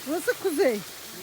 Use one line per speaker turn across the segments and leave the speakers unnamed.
Burası kuzey.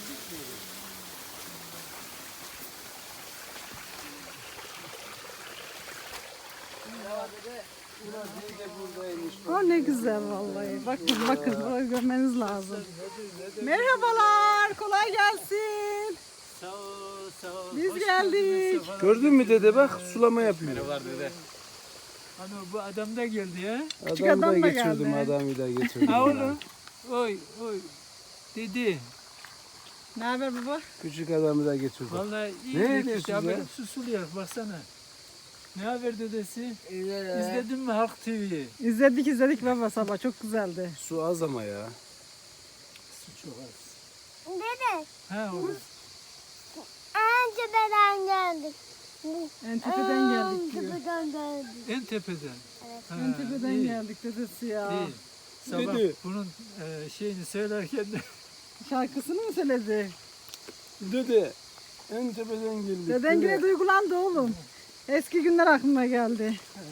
O ne güzel vallahi. Bakın burayı görmeniz lazım. Merhabalar, kolay gelsin.
Sağ ol, sağ ol.
Biz geldik.
Gördün mü dede bak sulama yapıyor.
Merhabalar dede. Hani bu adam da geldi ya.
Küçük
Adamı da
adam da
geçirdim,
geldi.
adamı da geçirdim.
Ha oğlum. Oy oy. Dedi.
Ne haber baba?
Küçük adamı da geçirdim.
Vallahi iyi.
Ne
Ne
ediyorsunuz
ya?
ya?
Böyle susuluyor baksana. Ne haber dedesi? İzledin mi Halk TV'yi?
İzledik baba sabah çok güzeldi.
Su az ama ya.
Su çok az.
Dede,
Ha oğlum.
Antep'den geldik.
En tepeden geldik diyor.
Antep'den geldik.
En tepeden. Ha,
En tepeden
iyi,
geldik dedesi ya.
İyi. Sabah
Dedi.
bunun şeyini söylerken de
Şarkısını mı söyledi?
Dede en tepeden geldik.
Deden
Dede.
yine duygulandı oğlum. Eski günler aklıma geldi.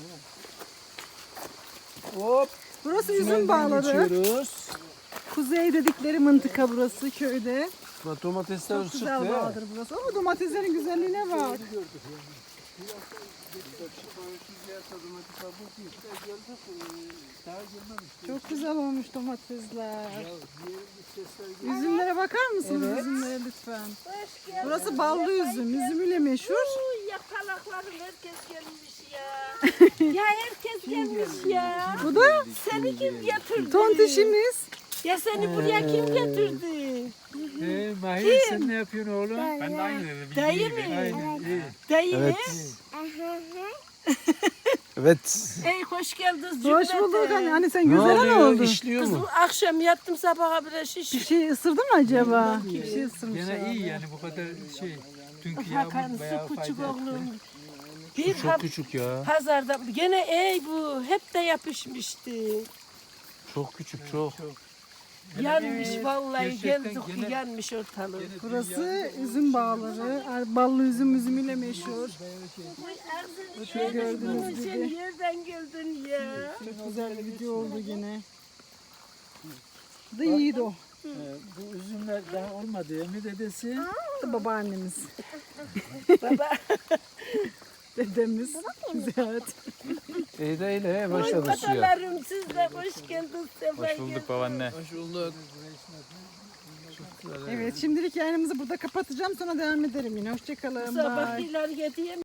Hop.
Burası üzüm
tünelden
bağları.
geçiyoruz.
Kuzey dedikleri mıntıka burası köyde.
Bak domatesler
Çok
çıktı.
güzel bağdır burası. Ama domateslerin güzelliğine bak. Çok güzel olmuş domatesler. Üzümlere bakar mısınız üzümlere lütfen? Burası ballı üzüm. Üzümüyle meşhur.
Yakalaklarım herkes gelmiş ya. Ya herkes gelmiş ya.
Bu da
Seni kim getirdi?
tontişimiz.
Ya seni buraya kim getirdi?
Mahir sen ne yapıyorsun oğlum? Ben de aynı dedim.
Dayı mı?
Aynen iyi.
Dayı mı?
Evet.
Ey hoş geldiniz
Hoş
cümleten.
bulduk. Hani sen
Ne
güzel
oluyor?
oldu.
İşliyor
Kızım
mu?
akşam yattım sabaha bile şiş.
Bir şey ısırdı mı acaba? Bir şey ısırmış
Gene
herhalde.
iyi yani bu kadar şey. Dünkü
Hakan
yağmur bayağı
su küçük
fayda
oğlum.
etti.
Bir
Çok küçük ya.
pazarda gene ey bu hep de yapışmıştı.
Çok küçük çok.
Yanmış vallahi
gerçekten
geldik
gene-
yanmış ortalık.
Burası üzüm bağları. Ballı üzümüyle meşhur.
Şöyle
gördüğünüz
Sen
gibi.
yerden geldin ya.
Çok güzel bir video oldu gene. Bu da yiğit o.
Bu üzümler daha olmadı ya mı dedesi?
Bu da babaannemiz.
Baba
Dedemiz. Ziyaret.
İyi değil he başladı suya.
babalarım siz de hoş geldiniz. Hoş bulduk
babaanne.
Hoş bulduk.
Evet şimdilik yayınımızı burada kapatacağım. Sonra devam ederim yine. Hoşçakalın. Bye.
Sabah iler yediye